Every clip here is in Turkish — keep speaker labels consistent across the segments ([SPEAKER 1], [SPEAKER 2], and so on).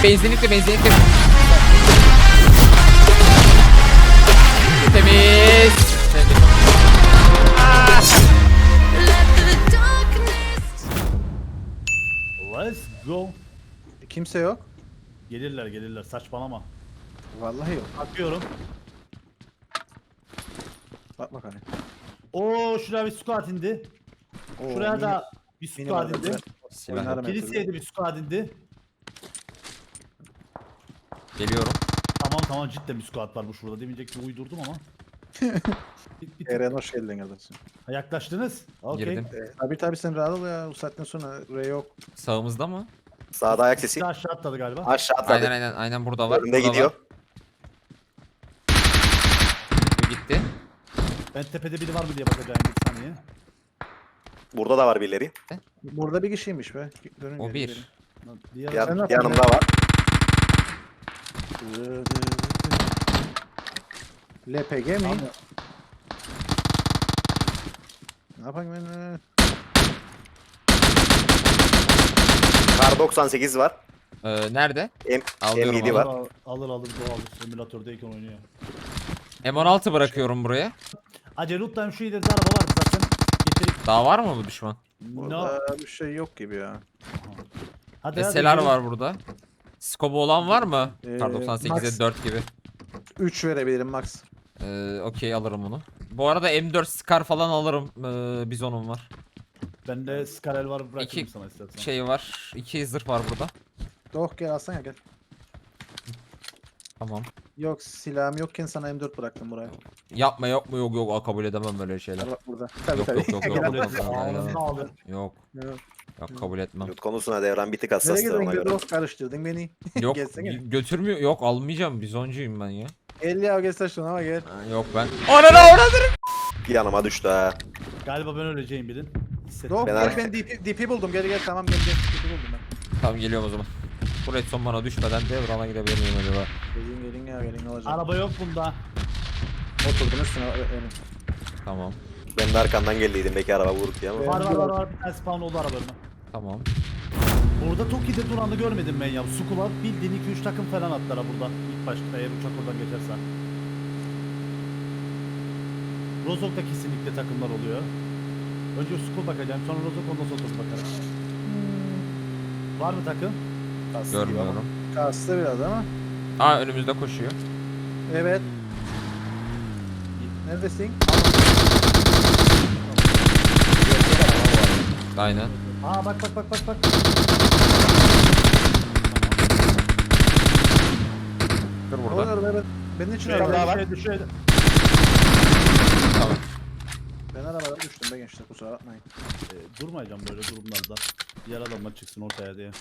[SPEAKER 1] benzinlikle. Temiz.
[SPEAKER 2] Let's go.
[SPEAKER 3] Kimse yok.
[SPEAKER 2] Gelirler saçmalama.
[SPEAKER 3] Vallahi yok.
[SPEAKER 2] Bakıyorum.
[SPEAKER 3] Bak bakalım.
[SPEAKER 2] Oo şuraya bir squad indi.
[SPEAKER 3] Oo,
[SPEAKER 2] Şuraya da bir
[SPEAKER 3] mini
[SPEAKER 2] squad
[SPEAKER 3] vardı.
[SPEAKER 2] indi.
[SPEAKER 1] Silah.
[SPEAKER 3] Oynarım her
[SPEAKER 2] Kiliseye
[SPEAKER 3] türlü.
[SPEAKER 2] de bir squad indi.
[SPEAKER 1] Geliyorum.
[SPEAKER 2] Tamam cidden bir squad var bu şurada. Demeyecek ki uydurdum ama. bir
[SPEAKER 3] Eren hoş geldin kardeşim.
[SPEAKER 2] Ha, yaklaştınız. Okey.
[SPEAKER 1] Girdim.
[SPEAKER 3] Tabii sen rahat ol ya. Bu saatten sonra R yok.
[SPEAKER 1] Sağımızda mı?
[SPEAKER 4] Sağda ayak
[SPEAKER 2] Bir
[SPEAKER 4] sesi.
[SPEAKER 2] de aşağı atladı galiba.
[SPEAKER 4] Aşağı atladı.
[SPEAKER 1] Aynen burada var.
[SPEAKER 4] Önünde
[SPEAKER 1] burada
[SPEAKER 4] gidiyor.
[SPEAKER 1] Var. Bu gitti.
[SPEAKER 2] Ben tepede biri var mı diye bakacağım bir saniye.
[SPEAKER 4] Burada da var birileri.
[SPEAKER 3] Burada bir kişiymiş be. Dönün
[SPEAKER 1] O
[SPEAKER 3] gelin,
[SPEAKER 1] bir.
[SPEAKER 3] gelin.
[SPEAKER 2] Lan diğer
[SPEAKER 4] Yan-
[SPEAKER 3] Sen ne
[SPEAKER 4] yanımda var.
[SPEAKER 3] LPG mi?
[SPEAKER 2] Abi,
[SPEAKER 3] Ne yapayım ben?
[SPEAKER 4] Kar 98 var.
[SPEAKER 1] Nerede?
[SPEAKER 4] M
[SPEAKER 1] Alıyorum
[SPEAKER 4] M7
[SPEAKER 1] onu.
[SPEAKER 4] var.
[SPEAKER 2] alır doğal simülatördeyken oynuyor.
[SPEAKER 1] M16 bırakıyorum buraya.
[SPEAKER 2] Acele loot'tan şu ileride araba vardı zaten. Getirip
[SPEAKER 1] Daha var mı bu düşman?
[SPEAKER 2] no.
[SPEAKER 3] Burada bir şey yok gibi ya.
[SPEAKER 2] Hadi
[SPEAKER 1] SLR
[SPEAKER 2] gelin.
[SPEAKER 1] var burada. Skobu olan var mı? Kar
[SPEAKER 3] Max.
[SPEAKER 1] 98'e 4 gibi.
[SPEAKER 3] 3 verebilirim max.
[SPEAKER 1] Okey alırım onu. Bu arada M4 Scar falan alırım. Bizonum var.
[SPEAKER 2] Bende Skarel var bırakayım
[SPEAKER 1] İki
[SPEAKER 2] sana istersen.
[SPEAKER 1] Şey var. 2 zırh var burada.
[SPEAKER 3] Doh gel alsana gel.
[SPEAKER 1] Tamam.
[SPEAKER 3] Yok silahım yokken sana M4 bıraktım buraya.
[SPEAKER 1] Yapma yok mu yok kabul edemem böyle şeyler.
[SPEAKER 3] Bak burada. Tabii
[SPEAKER 1] Yok
[SPEAKER 3] tabii.
[SPEAKER 1] yok yok yok
[SPEAKER 2] Kabul
[SPEAKER 1] yok
[SPEAKER 2] et.
[SPEAKER 1] yok
[SPEAKER 2] Ağzını alın.
[SPEAKER 1] yok
[SPEAKER 3] Yok.
[SPEAKER 1] yok kabul etmem.
[SPEAKER 4] Loot konusuna devran bir tık
[SPEAKER 3] Nereye
[SPEAKER 4] hassastı
[SPEAKER 3] gidiyorsun?
[SPEAKER 4] ona
[SPEAKER 3] Bir
[SPEAKER 4] göre.
[SPEAKER 3] dost karıştırdın beni.
[SPEAKER 1] Yok
[SPEAKER 3] Gelsene.
[SPEAKER 1] götürmüyor yok almayacağım bizoncuyum ben ya.
[SPEAKER 3] Gel ya gel saçma ama gel.
[SPEAKER 1] Yok ben. Ananı
[SPEAKER 4] Bir yanıma düştü ha.
[SPEAKER 2] Galiba ben öleceğim bilin. Hissettim.
[SPEAKER 3] Doh
[SPEAKER 4] Ben
[SPEAKER 3] gel
[SPEAKER 4] ar-
[SPEAKER 3] ben DP buldum gel gel tamam gel gel DP buldum ben.
[SPEAKER 1] Tamam geliyorum o zaman. Bu redstone bana düşmeden devrana gidebilir miyim acaba?
[SPEAKER 3] Gelin ya gelin ne olacak.
[SPEAKER 2] Araba yok bunda.
[SPEAKER 3] Oturdun üstüne önüm.
[SPEAKER 1] Tamam.
[SPEAKER 4] Ben de arkandan geldiydim belki araba vurdu diye ama.
[SPEAKER 3] Ben-
[SPEAKER 2] Var. Bir tane spawn oldu arabanın.
[SPEAKER 1] Tamam.
[SPEAKER 2] Burada Toki'de duranı görmedim ben ya. Sukula bildiğin 2-3 takım falan attılar burada. İlk başta eğer uçak oradan geçerse. Rozok'ta kesinlikle takımlar oluyor. Önce Sukul bakacağım sonra Rozok ondan sonra Tok'i bakarım. Var mı takım?
[SPEAKER 1] Görmüyorum.
[SPEAKER 3] Kastı biraz ama.
[SPEAKER 1] Aa önümüzde koşuyor.
[SPEAKER 3] Evet. Neredesin?
[SPEAKER 1] Aynen.
[SPEAKER 2] Aa bak.
[SPEAKER 1] Dur burada.
[SPEAKER 3] Olur evet. Benim için
[SPEAKER 4] Şuraya
[SPEAKER 3] araba
[SPEAKER 4] var.
[SPEAKER 3] var.
[SPEAKER 2] Düşüyor.
[SPEAKER 1] Tamam.
[SPEAKER 3] Ben arabadan düştüm be gençler kusura bakmayın.
[SPEAKER 2] Durmayacağım böyle durumlarda. Diğer adamlar çıksın ortaya diye.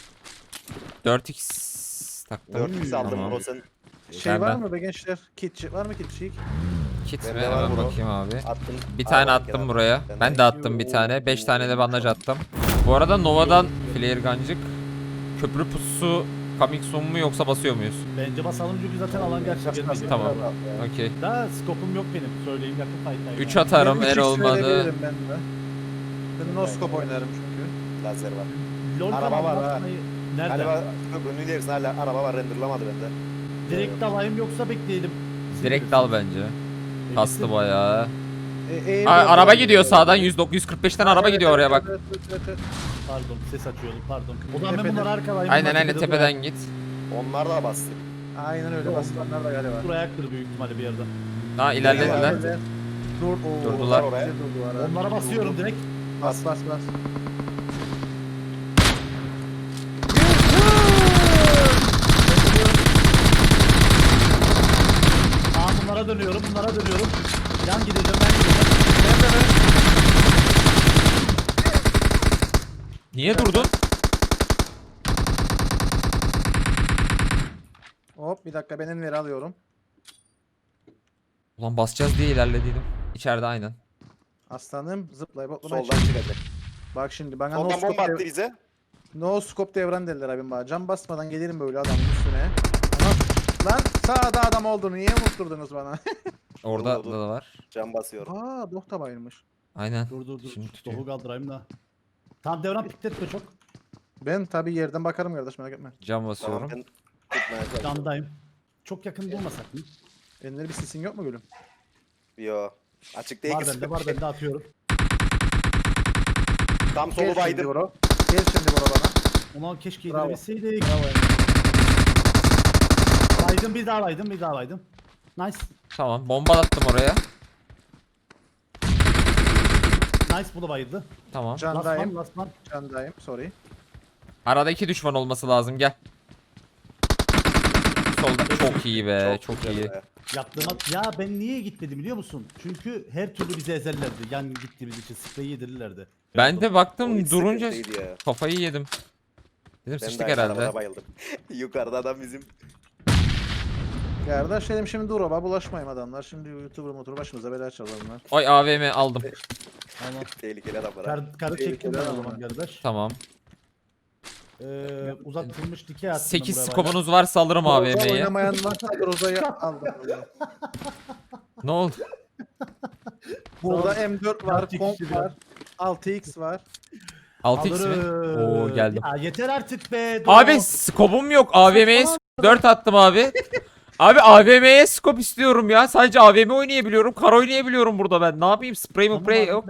[SPEAKER 1] 4x taktım.
[SPEAKER 4] 4x aldım
[SPEAKER 1] Tamam.
[SPEAKER 4] bro sen.
[SPEAKER 3] Şey
[SPEAKER 1] Ben-
[SPEAKER 3] var
[SPEAKER 1] ben-
[SPEAKER 3] mı be gençler? Kit var mı kitçik?
[SPEAKER 1] Kit mi?
[SPEAKER 4] Bende var
[SPEAKER 1] Hemen
[SPEAKER 4] bro.
[SPEAKER 1] bakayım abi.
[SPEAKER 4] Attın.
[SPEAKER 1] Bir tane
[SPEAKER 4] Aa,
[SPEAKER 1] attım
[SPEAKER 4] kenara.
[SPEAKER 1] buraya.
[SPEAKER 4] Ben
[SPEAKER 1] Ben
[SPEAKER 4] de-
[SPEAKER 1] de attım bir tane. 5 tane de bandaj attım. Bu arada Nova'dan flare gancık. Köprü pusu coming soon mu yoksa basıyor muyuz?
[SPEAKER 2] Bence basalım çünkü zaten alan gerçekten değil.
[SPEAKER 1] Tamam. Okey.
[SPEAKER 2] Daha skopum yok benim. Söyleyeyim yakın fight'tayım.
[SPEAKER 1] 3
[SPEAKER 2] yani.
[SPEAKER 1] atarım
[SPEAKER 3] Benim
[SPEAKER 1] eğer
[SPEAKER 3] 3x
[SPEAKER 1] olmadı.
[SPEAKER 3] verebilirim ben de. Ben no scope oynarım çünkü.
[SPEAKER 4] Lazer var.
[SPEAKER 2] LOL
[SPEAKER 4] Araba
[SPEAKER 2] falan
[SPEAKER 4] var ha.
[SPEAKER 2] basmayı- Nerede?
[SPEAKER 4] Galiba köprünün ilerisinde hala araba var renderlamadı bende.
[SPEAKER 2] Direkt alayım yoksa bekleyelim.
[SPEAKER 1] Direkt dal bence. Kastı bayağı. Araba gidiyor sağdan 145'ten araba gidiyor oraya bak.
[SPEAKER 3] Evet.
[SPEAKER 2] Pardon ses açıyordum pardon. O zaman ben
[SPEAKER 3] Tepeden-
[SPEAKER 2] bunları arkalayayım.
[SPEAKER 1] Aynen
[SPEAKER 2] bunlar
[SPEAKER 1] aynen
[SPEAKER 2] tepede
[SPEAKER 1] tepeden git.
[SPEAKER 4] Onlar da bastı.
[SPEAKER 3] Aynen öyle basılanlar da galiba.
[SPEAKER 2] durar. Durayaktır büyük ihtimalle bir yerde.
[SPEAKER 1] Ha ilerlediler. Durdular.
[SPEAKER 4] oraya.
[SPEAKER 2] Onlara basıyorum direkt.
[SPEAKER 3] Bas.
[SPEAKER 2] Bunlara dönüyorum. Yan gideceğim ben gideceğim.
[SPEAKER 1] Niye durdun?
[SPEAKER 3] Hop bir dakika ben enveri alıyorum.
[SPEAKER 1] Ulan basacağız diye ilerlediydim. İçeride aynen.
[SPEAKER 3] Aslanım zıplayıp hoplamaya
[SPEAKER 4] Soldan çıkacak.
[SPEAKER 3] Bak şimdi bana no
[SPEAKER 4] Soldan bomba
[SPEAKER 3] scope,
[SPEAKER 4] attı bize.
[SPEAKER 3] no scope devran dediler abim bana. Cam basmadan gelirim böyle adamın üstüne. Ama lan sağda adam olduğunu niye unutturdunuz bana?
[SPEAKER 1] Orada
[SPEAKER 4] Dur.
[SPEAKER 1] da var.
[SPEAKER 4] Can basıyor.
[SPEAKER 3] Aa doh da bayılmış.
[SPEAKER 1] Aynen.
[SPEAKER 2] Dur.
[SPEAKER 1] Şimdi tutuyor.
[SPEAKER 2] Tohu kaldırayım da. Tamam devran pikletme çok.
[SPEAKER 3] Ben tabi yerden bakarım kardeş merak etme.
[SPEAKER 1] Cam
[SPEAKER 4] Tamam
[SPEAKER 1] basıyorum.
[SPEAKER 4] ben Atmaya çalışıyorum.
[SPEAKER 2] Candayım. Çok yakın durmasak mı?
[SPEAKER 3] Elinde bir sisin yok mu gülüm?
[SPEAKER 4] Yo. Açık değil
[SPEAKER 2] Var
[SPEAKER 4] ki.
[SPEAKER 2] bende, var bende atıyorum.
[SPEAKER 4] Tam
[SPEAKER 3] Gel
[SPEAKER 4] solu
[SPEAKER 3] şimdi
[SPEAKER 4] baydım.
[SPEAKER 3] bro. Gel şimdi bro bana.
[SPEAKER 2] Ulan keşke
[SPEAKER 3] Bravo.
[SPEAKER 2] indirebilseydik.
[SPEAKER 3] Bravo.
[SPEAKER 2] Baydım, bir daha baydım, bir daha baydım. Nice.
[SPEAKER 1] Tamam, bomba attım oraya.
[SPEAKER 2] Nice, bu da bayıldı.
[SPEAKER 1] Tamam.
[SPEAKER 3] Candayım.
[SPEAKER 2] Lasman.
[SPEAKER 3] Candayım. Sorry.
[SPEAKER 1] Arada 2 düşman olması lazım, gel. Solda çok iyi be, çok
[SPEAKER 4] güzel
[SPEAKER 1] iyi.
[SPEAKER 4] be.
[SPEAKER 2] Yaptığıma... Ya ben niye gitmedim biliyor musun? Çünkü her türlü bizi ezerlerdi. Yan gittiğimiz için sprey yedirirlerdi.
[SPEAKER 1] Ben de
[SPEAKER 4] O
[SPEAKER 1] baktım
[SPEAKER 4] hiç
[SPEAKER 1] durunca
[SPEAKER 4] sıkıntıydı ya.
[SPEAKER 1] kafayı yedim. Dedim
[SPEAKER 4] Ben
[SPEAKER 1] sıçtık
[SPEAKER 4] de
[SPEAKER 1] herhalde.
[SPEAKER 4] arabada bayıldım. Yukarıda adam bizim.
[SPEAKER 3] Kardeş dedim şimdi dur baba bulaşmayayım adamlar. Şimdi YouTuber motoru başımıza bela çalarlar.
[SPEAKER 1] Ay AVM aldım.
[SPEAKER 2] Ama
[SPEAKER 4] Tehlikeli adamlar. abi.
[SPEAKER 2] karı çektim ben o
[SPEAKER 3] Tehlikeli
[SPEAKER 2] zaman
[SPEAKER 3] ama.
[SPEAKER 2] kardeş.
[SPEAKER 1] Tamam.
[SPEAKER 2] Uzatılmış dikey attım
[SPEAKER 1] 8
[SPEAKER 2] ben buraya
[SPEAKER 1] skopunuz varsa alırım
[SPEAKER 3] Groza
[SPEAKER 1] AVM'yi.
[SPEAKER 3] oynamayan varsa Groza'yı aldım.
[SPEAKER 1] Ne oldu?
[SPEAKER 3] Burada M4 var,
[SPEAKER 2] Taktik
[SPEAKER 3] komp
[SPEAKER 2] işi
[SPEAKER 3] var, 6x var.
[SPEAKER 1] 6x mi?
[SPEAKER 2] Alırım.
[SPEAKER 1] Oo geldim.
[SPEAKER 2] Ya yeter artık be.
[SPEAKER 1] Abi skopum yok. AVM'ye 4 attım abi. Abi AVM'ye skop istiyorum ya. Sadece AVM oynayabiliyorum. Kar oynayabiliyorum burada ben. Ne yapayım? Spray mi spray yok.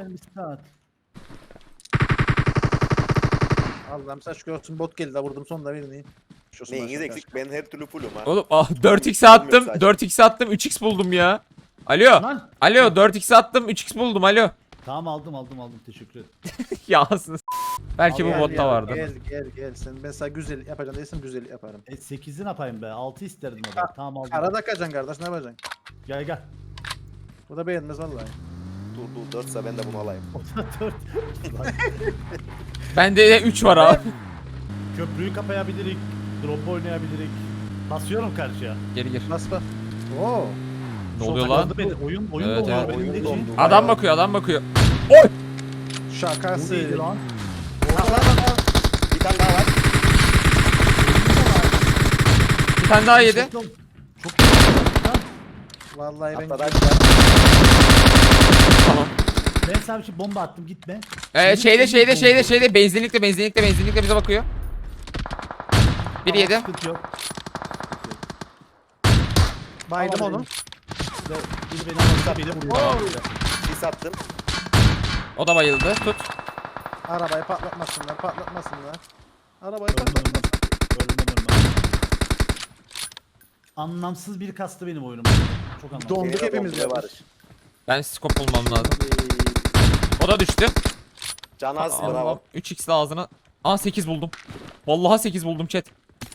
[SPEAKER 3] Allah'ım saç görsün bot geldi vurdum sonunda birini. Şu
[SPEAKER 4] Neyiniz eksik? Ben her türlü fullüm ha.
[SPEAKER 1] Oğlum 4x attım. 4x attım. 3x buldum ya. Alo.
[SPEAKER 2] Lan.
[SPEAKER 1] Alo 4x attım. 3x buldum. Alo.
[SPEAKER 2] Tamam aldım teşekkür ederim.
[SPEAKER 1] Ya aslında. Belki bu
[SPEAKER 3] Gel,
[SPEAKER 1] botta
[SPEAKER 3] gel,
[SPEAKER 1] vardı.
[SPEAKER 3] Gel. Sen ben sana güzel yapacağım değilsin güzel yaparım.
[SPEAKER 2] 8'i ne yapayım be? 6 isterdim o da. Tamam aldım.
[SPEAKER 3] Arada kaçacaksın kardeş ne yapacaksın?
[SPEAKER 2] Gel.
[SPEAKER 3] Bu da beğenmez vallahi.
[SPEAKER 4] Dur 4'sa ben de bunu alayım.
[SPEAKER 2] O da 4.
[SPEAKER 1] Bende de 3 var abi.
[SPEAKER 2] Köprüyü kapayabilirik. Drop oynayabilirik. Basıyorum karşıya.
[SPEAKER 1] Geri gir.
[SPEAKER 3] Bas bas. Oo.
[SPEAKER 1] Ne oluyor
[SPEAKER 2] Çok
[SPEAKER 1] lan?
[SPEAKER 2] takıldı beni. Oyun
[SPEAKER 1] Evet,
[SPEAKER 2] dondu
[SPEAKER 1] evet.
[SPEAKER 2] benim
[SPEAKER 4] Oyun
[SPEAKER 2] için.
[SPEAKER 4] dondu.
[SPEAKER 1] Adam bakıyor, adam bakıyor.
[SPEAKER 2] Bu
[SPEAKER 3] Şakası.
[SPEAKER 2] neydi lan?
[SPEAKER 4] Bir tane daha var.
[SPEAKER 1] Bir tane daha yedi.
[SPEAKER 2] Çok
[SPEAKER 3] Vallahi ben
[SPEAKER 4] Atladı aşağı.
[SPEAKER 1] Tamam.
[SPEAKER 2] Ben sana bir şey bomba attım gitme.
[SPEAKER 1] Şeyde benzinlikte bize bakıyor. Bir
[SPEAKER 2] Tamam,
[SPEAKER 1] yedi.
[SPEAKER 2] sıkıntı yok.
[SPEAKER 3] baydım
[SPEAKER 2] Tamam,
[SPEAKER 3] onu.
[SPEAKER 2] Biri beni alırsa beni vuruyor.
[SPEAKER 4] Bir sattım.
[SPEAKER 1] O da bayıldı. Tut.
[SPEAKER 3] Arabayı patlatmasınlar. Arabayı
[SPEAKER 2] Ölmem,
[SPEAKER 3] patlatmasınlar.
[SPEAKER 2] ölmem. Anlamsız bir kastı benim oyunum. Çok anlamsız.
[SPEAKER 3] Donduk
[SPEAKER 4] Benim de
[SPEAKER 3] hepimiz
[SPEAKER 4] donduruyor
[SPEAKER 3] ya.
[SPEAKER 4] Barış.
[SPEAKER 1] Ben skop bulmam lazım. O da düştü.
[SPEAKER 4] Can az
[SPEAKER 1] Allah'ım.
[SPEAKER 4] bravo.
[SPEAKER 1] 3x ağzına. Aa 8 buldum. Vallahi 8 buldum chat.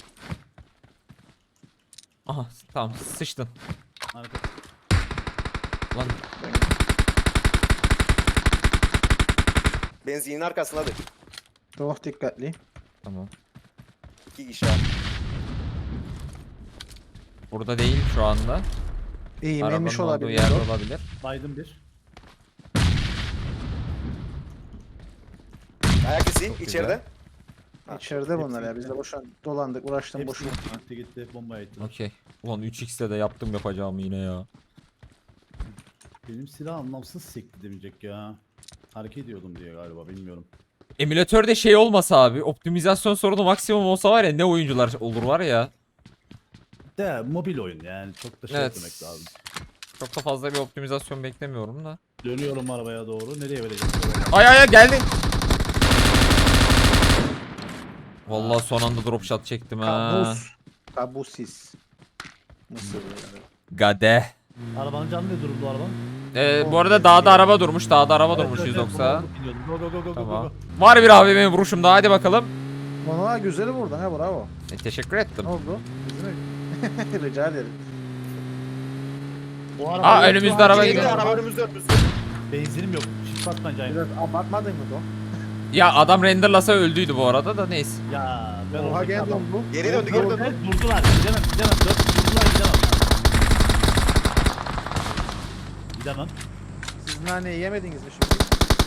[SPEAKER 1] Aha tamam sıçtın.
[SPEAKER 2] Harika.
[SPEAKER 1] Lan
[SPEAKER 4] Benzinin arkasındadır.
[SPEAKER 3] Çok dikkatli.
[SPEAKER 1] tamam.
[SPEAKER 4] 2 kişi var.
[SPEAKER 1] Burada değil şu anda.
[SPEAKER 3] İyi
[SPEAKER 1] Arabanın
[SPEAKER 3] menmiş
[SPEAKER 1] olduğu
[SPEAKER 3] olabilir.
[SPEAKER 1] yerde
[SPEAKER 3] o.
[SPEAKER 1] olabilir.
[SPEAKER 2] Baydım bir.
[SPEAKER 4] Ayak izi
[SPEAKER 1] Çok
[SPEAKER 4] içeride.
[SPEAKER 3] İçeride bunlar ya. Biz de boşan dolandık uğraştım
[SPEAKER 2] Hepsi
[SPEAKER 3] boşuna.
[SPEAKER 2] gitti. Bombaya gitti.
[SPEAKER 1] Okey. Ulan 3x'te de yaptım yapacağımı yine ya.
[SPEAKER 2] Benim silah anlamsız sekti demeyecek ya. Hareket ediyordum diye galiba bilmiyorum.
[SPEAKER 1] Emülatörde şey olmasa abi, optimizasyon sorunu maksimum olsa var ya, ne oyuncular olur var ya.
[SPEAKER 2] De mobil oyun yani çok da şey
[SPEAKER 1] Evet.
[SPEAKER 2] etmek lazım.
[SPEAKER 1] Çok da fazla bir optimizasyon beklemiyorum da.
[SPEAKER 2] Dönüyorum arabaya doğru. Nereye vereceğim?
[SPEAKER 1] Ay geldi. Vallahi son anda drop shot çektim ha.
[SPEAKER 3] Kabus. Kabusiz. Nasıl yani?
[SPEAKER 1] Gade.
[SPEAKER 2] Arabanın canı ne durumda arabanın?
[SPEAKER 1] Bu arada dağda araba durmuş. Dağda araba
[SPEAKER 2] Evet,
[SPEAKER 1] durmuş
[SPEAKER 2] evet,
[SPEAKER 1] 190.
[SPEAKER 2] evet, go go go go go
[SPEAKER 1] Tamam.
[SPEAKER 2] go.
[SPEAKER 1] Var bir AVM vuruşum daha, hadi bakalım.
[SPEAKER 3] Bana güzeli vurdun ha bravo.
[SPEAKER 1] Teşekkür ettim.
[SPEAKER 3] Ne oldu? Bizim rica ederim.
[SPEAKER 2] O
[SPEAKER 1] Aa, önümüzde araba
[SPEAKER 4] Geliyor,
[SPEAKER 1] gidiyor.
[SPEAKER 4] araba önümüzde.
[SPEAKER 2] Benzinim yok. Şiş batmaca.
[SPEAKER 3] Biraz abartmadın mı Don?
[SPEAKER 1] Ya adam renderlasa öldüydü bu arada da, neyse.
[SPEAKER 2] Ya ben
[SPEAKER 3] Oha
[SPEAKER 2] oradaki
[SPEAKER 3] gel
[SPEAKER 2] adam.
[SPEAKER 3] Don bu.
[SPEAKER 4] Geri döndü geri döndü.
[SPEAKER 2] Evet, durdular. Gidemem. Durdular gidemem. Gidemem.
[SPEAKER 3] Siz naneyi yemediniz mi şimdi?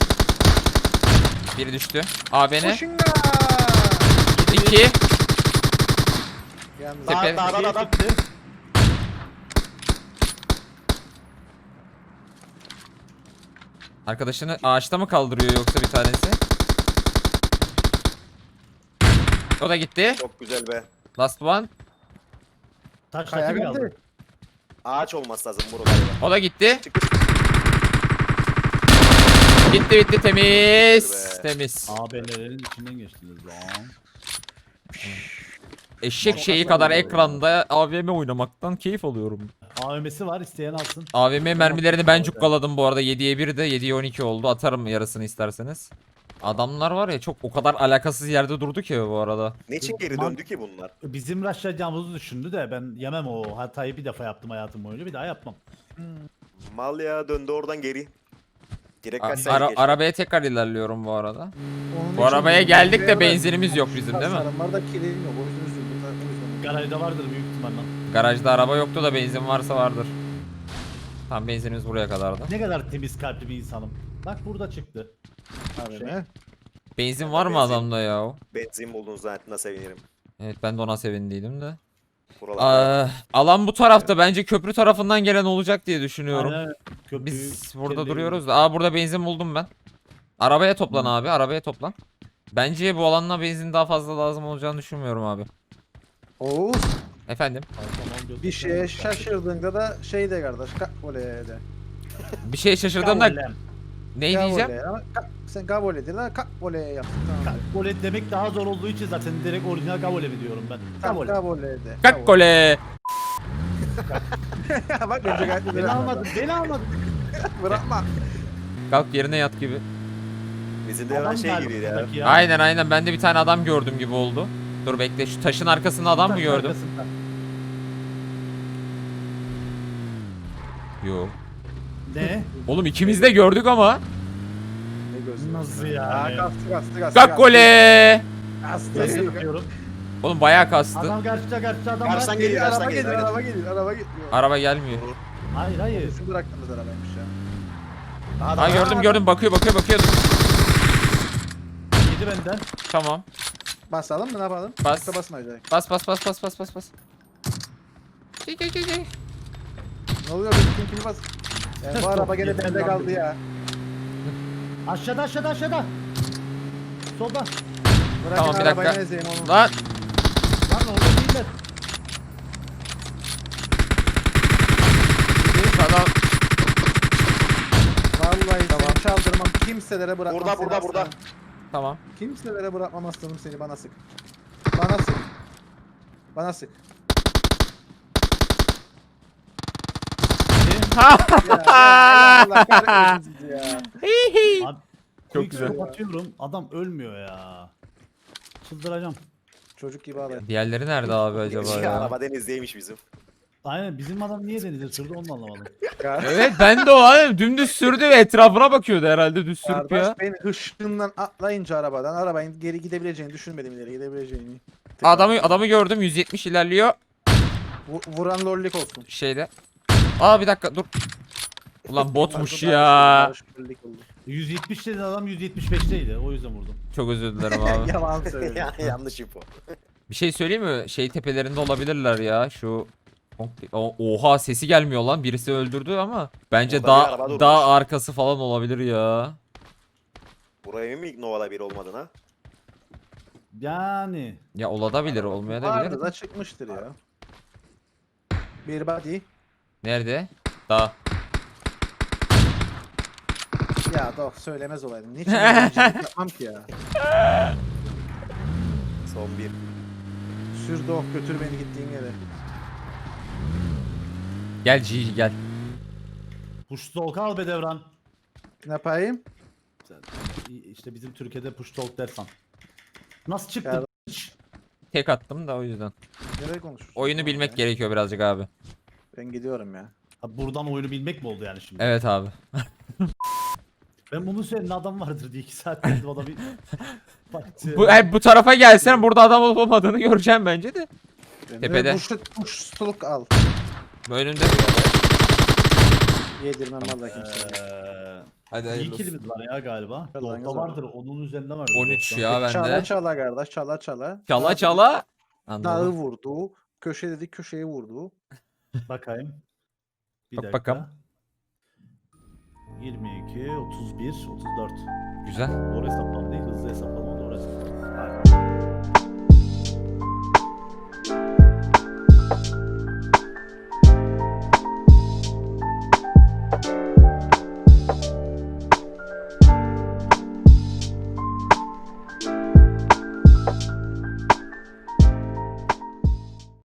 [SPEAKER 1] Biri düştü. AVM.
[SPEAKER 3] Koşunga!
[SPEAKER 1] 2.
[SPEAKER 3] Yalnız
[SPEAKER 1] Tepe.
[SPEAKER 4] Dağdan adam.
[SPEAKER 2] Çıktı.
[SPEAKER 1] Arkadaşını ağaçta mı kaldırıyor yoksa bir tanesi? O da gitti.
[SPEAKER 4] Çok güzel be.
[SPEAKER 1] Last one.
[SPEAKER 2] Taş
[SPEAKER 3] Kaya
[SPEAKER 2] taşı mı
[SPEAKER 3] geldi.
[SPEAKER 2] kaldı?
[SPEAKER 4] Ağaç olması lazım buralarda.
[SPEAKER 1] O da gitti.
[SPEAKER 4] Çık çık.
[SPEAKER 1] Bitti temiz.
[SPEAKER 4] Be.
[SPEAKER 1] Temiz.
[SPEAKER 2] AB'lerin içinden geçtiniz lan.
[SPEAKER 1] Eşek şeyi
[SPEAKER 2] Motorlar
[SPEAKER 1] kadar
[SPEAKER 2] oluyor
[SPEAKER 1] ekranda AVM oynamaktan keyif alıyorum.
[SPEAKER 2] AVM'si var, isteyen alsın.
[SPEAKER 1] AVM mermilerini ben
[SPEAKER 2] Motor-
[SPEAKER 1] cukkaladım bu arada. 7'ye 1 de 7'ye 12 oldu. Atarım yarısını isterseniz. Adamlar var ya çok o kadar alakasız yerde durdu ki bu arada.
[SPEAKER 4] Ne için geri döndü ki bunlar?
[SPEAKER 2] Bizim rushlayacağımızı düşündü de ben yemem o hatayı, bir defa yaptım hayatım boyunca, bir daha yapmam.
[SPEAKER 4] Mal ya döndü oradan geri. Direkt
[SPEAKER 1] A-
[SPEAKER 4] kaç saniye geçti.
[SPEAKER 1] arabaya tekrar ilerliyorum bu arada.
[SPEAKER 3] Onun
[SPEAKER 1] Bu
[SPEAKER 3] için
[SPEAKER 1] arabaya
[SPEAKER 3] diyorum,
[SPEAKER 1] geldik de
[SPEAKER 3] şuraya
[SPEAKER 1] benzinimiz yok bizim değil mi?
[SPEAKER 3] Tasarım var da kilim yok. O yüzden üzüldüm. O yüzden.
[SPEAKER 2] Garajda vardır büyük ihtimalle.
[SPEAKER 1] Garajda araba yoktu da benzin varsa vardır. Tam benzinimiz buraya kadardı.
[SPEAKER 2] Ne kadar temiz kalpli bir insanım. Bak burada çıktı.
[SPEAKER 3] Abi
[SPEAKER 2] Şey.
[SPEAKER 3] ne?
[SPEAKER 1] Benzin var mı
[SPEAKER 4] Benzin.
[SPEAKER 1] adamda ya?
[SPEAKER 4] Benzin buldun zaten sevinirim.
[SPEAKER 1] Evet ben de ona sevindiydim de.
[SPEAKER 4] Buralarda.
[SPEAKER 1] Alan bu tarafta bence köprü tarafından gelen olacak diye düşünüyorum.
[SPEAKER 2] Aynen. Köprüyü
[SPEAKER 1] Biz burada
[SPEAKER 2] kendi
[SPEAKER 1] duruyoruz da. Burada benzin buldum ben. Arabaya toplan abi, arabaya toplan. Bence bu alanla benzin daha fazla lazım olacağını düşünmüyorum abi.
[SPEAKER 3] Oğuz
[SPEAKER 1] Efendim?
[SPEAKER 2] evinde-
[SPEAKER 3] bir şeye şaşırdığında da şey de kardeş. Oley de.
[SPEAKER 1] Bir şey şaşırdığımda
[SPEAKER 2] Kavolem.
[SPEAKER 1] ne diyeceğim?
[SPEAKER 3] Gavole. Ama sen gavole değil lan. Oley yaptın. Tamam.
[SPEAKER 2] Gavole demek daha zor olduğu için zaten direkt orijinal gavole mi diyorum ben.
[SPEAKER 3] Tamam
[SPEAKER 2] Gavole.
[SPEAKER 3] gavole de.
[SPEAKER 1] Kakkole.
[SPEAKER 3] Bak önce gayet
[SPEAKER 2] Beni
[SPEAKER 3] güzel.
[SPEAKER 2] almadın, beni almadın.
[SPEAKER 3] Bırakma.
[SPEAKER 1] Kalk yerine yat gibi.
[SPEAKER 4] Bizim de hemen
[SPEAKER 2] Adam
[SPEAKER 4] şey
[SPEAKER 2] galiba
[SPEAKER 4] gibi ya.
[SPEAKER 2] buradaki
[SPEAKER 1] Aynen ben de bir tane adam gördüm gibi oldu. Dur bekle şu taşın arkasında adam mı
[SPEAKER 2] Taş
[SPEAKER 1] gördüm?
[SPEAKER 2] arkasında.
[SPEAKER 1] Yok.
[SPEAKER 2] Ne?
[SPEAKER 1] Oğlum ikimiz de gördük ama.
[SPEAKER 3] Ne gözü.
[SPEAKER 2] Nasıl
[SPEAKER 3] Aa,
[SPEAKER 2] yani?
[SPEAKER 3] kastı.
[SPEAKER 1] Kakkole.
[SPEAKER 3] Kastı.
[SPEAKER 2] Nasıl yapıyorum?
[SPEAKER 1] Oğlum bayağı kastı.
[SPEAKER 2] Adam karşıda adam var.
[SPEAKER 4] Karşıdan
[SPEAKER 3] Geliyor,
[SPEAKER 4] geliyor,
[SPEAKER 3] araba
[SPEAKER 4] karşıdan
[SPEAKER 3] geliyor,
[SPEAKER 4] geliyor.
[SPEAKER 3] araba geliyor, araba geliyor.
[SPEAKER 1] Araba gelmiyor.
[SPEAKER 2] Hayır hayır.
[SPEAKER 3] Şu bıraktığımız arabaymış ya.
[SPEAKER 1] Ha gördüm bakıyor.
[SPEAKER 2] Yedi benden.
[SPEAKER 1] Tamam.
[SPEAKER 3] Basalım mı ne yapalım?
[SPEAKER 1] Bas.
[SPEAKER 3] Yoksa basmayacak.
[SPEAKER 1] Bas. Gel.
[SPEAKER 3] Ne oluyor? Kim bas? Yani bu araba gene
[SPEAKER 2] Yeter
[SPEAKER 3] bende
[SPEAKER 2] lan
[SPEAKER 3] kaldı
[SPEAKER 2] dedi.
[SPEAKER 3] ya.
[SPEAKER 2] Aşağıda. Solda.
[SPEAKER 3] Bırakın
[SPEAKER 1] Tamam, bir
[SPEAKER 3] arabayı
[SPEAKER 1] dakika.
[SPEAKER 3] ezeyim onu.
[SPEAKER 1] Lan.
[SPEAKER 2] Lan orada değiller.
[SPEAKER 1] Adam.
[SPEAKER 3] Vallahi
[SPEAKER 1] Tamam.
[SPEAKER 3] seni çaldırmam. Kimselere bırakmam
[SPEAKER 4] Burada,
[SPEAKER 3] seni
[SPEAKER 4] burada.
[SPEAKER 3] aslanım.
[SPEAKER 1] Tamam.
[SPEAKER 3] Kimselere bırakmam aslanım seni, bana sık. Bana sık. Bana sık. Ya, Allah kahretmesin sizi ya.
[SPEAKER 2] Abi,
[SPEAKER 1] Çok
[SPEAKER 2] quick
[SPEAKER 1] güzel.
[SPEAKER 2] scope atıyorum. Adam ölmüyor ya. Çıldıracağım.
[SPEAKER 3] Çocuk gibi ağlayın.
[SPEAKER 1] Diğerleri nerede abi acaba
[SPEAKER 4] Şey,
[SPEAKER 1] ya?
[SPEAKER 4] araba denizdeymiş bizim.
[SPEAKER 2] Aynen bizim adam niye denize sürdü onu da anlamadım.
[SPEAKER 1] Evet ben de o abi dümdüz sürdü ve etrafına bakıyordu herhalde düz sürüp
[SPEAKER 3] Kardeş
[SPEAKER 1] ya.
[SPEAKER 3] beni hışkından atlayınca arabanın geri gidebileceğini düşünmedim, ileri gidebileceğini.
[SPEAKER 1] Adamı gördüm 170 ilerliyor
[SPEAKER 3] Vuran lollik olsun.
[SPEAKER 1] şeyde. Aa bir dakika dur. Ulan botmuş ya.
[SPEAKER 3] Barış lollik oldu.
[SPEAKER 2] 170 dedi adam 175'teydi o yüzden vurdum.
[SPEAKER 1] Çok özür dilerim abi.
[SPEAKER 3] Yalan söylüyor.
[SPEAKER 4] Ya, yanlış info.
[SPEAKER 1] Bir şey söyleyeyim mi? Şey tepelerinde olabilirler ya şu. Oha sesi gelmiyor lan. Birisi öldürdü ama bence
[SPEAKER 4] Orada bir araba durmuş.
[SPEAKER 1] dağ arkası falan olabilir ya.
[SPEAKER 4] Buraya mı Nova'da bir olmadın ha?
[SPEAKER 2] Yani.
[SPEAKER 1] Ya olabilir olmaya da bilir.
[SPEAKER 3] Vardı da çıkmıştır ya. Bir body.
[SPEAKER 1] Nerede? Dağ.
[SPEAKER 3] Ya doh söylemez olaydım. Niçin öyle yapmam ki ya?
[SPEAKER 4] Son bir.
[SPEAKER 3] Sür doh götür beni gittiğin yere.
[SPEAKER 1] Gel Gigi gel.
[SPEAKER 2] Push talk al be Devran.
[SPEAKER 3] Ne yapayım?
[SPEAKER 2] İşte bizim Türkiye'de push talk dersen. Nasıl çıktı?
[SPEAKER 3] Ya-
[SPEAKER 1] Tek attım da o yüzden.
[SPEAKER 3] Nereye konuşuyorsun?
[SPEAKER 1] Oyunu bilmek
[SPEAKER 3] Ya.
[SPEAKER 1] gerekiyor birazcık abi.
[SPEAKER 3] Ben gidiyorum ya.
[SPEAKER 2] Abi buradan oyunu bilmek mi oldu yani şimdi?
[SPEAKER 1] Evet abi.
[SPEAKER 2] Ben bunu söyleyen adam vardır diye 2 saat dedim o da bir...
[SPEAKER 1] Bu tarafa gelsen burada adam olup olmadığını göreceğim bence de.
[SPEAKER 3] Ben
[SPEAKER 1] Tepede.
[SPEAKER 3] de push stuluk al.
[SPEAKER 1] Bu önünde.
[SPEAKER 3] Yedirmem valla kimseye.
[SPEAKER 1] Hadi
[SPEAKER 2] İyi kilimiz var ya galiba.
[SPEAKER 3] Yalan
[SPEAKER 2] Dolda
[SPEAKER 3] yalan.
[SPEAKER 2] vardır onun üzerinde vardır.
[SPEAKER 1] 13
[SPEAKER 2] dolda.
[SPEAKER 1] ya
[SPEAKER 3] Çala
[SPEAKER 1] bende.
[SPEAKER 3] çala kardeş, çala çala.
[SPEAKER 1] Çala çala.
[SPEAKER 3] Dağı
[SPEAKER 1] Anladım.
[SPEAKER 3] vurdu. Köşe dedi, köşeye vurdu.
[SPEAKER 2] Bakayım. Bir
[SPEAKER 1] Bak
[SPEAKER 2] dakika.
[SPEAKER 1] bakalım.
[SPEAKER 2] 22, 31, 34.
[SPEAKER 1] Güzel.
[SPEAKER 2] Doğru hesaplama değil, hızlı hesaplama doğru hesaplama. Aynen.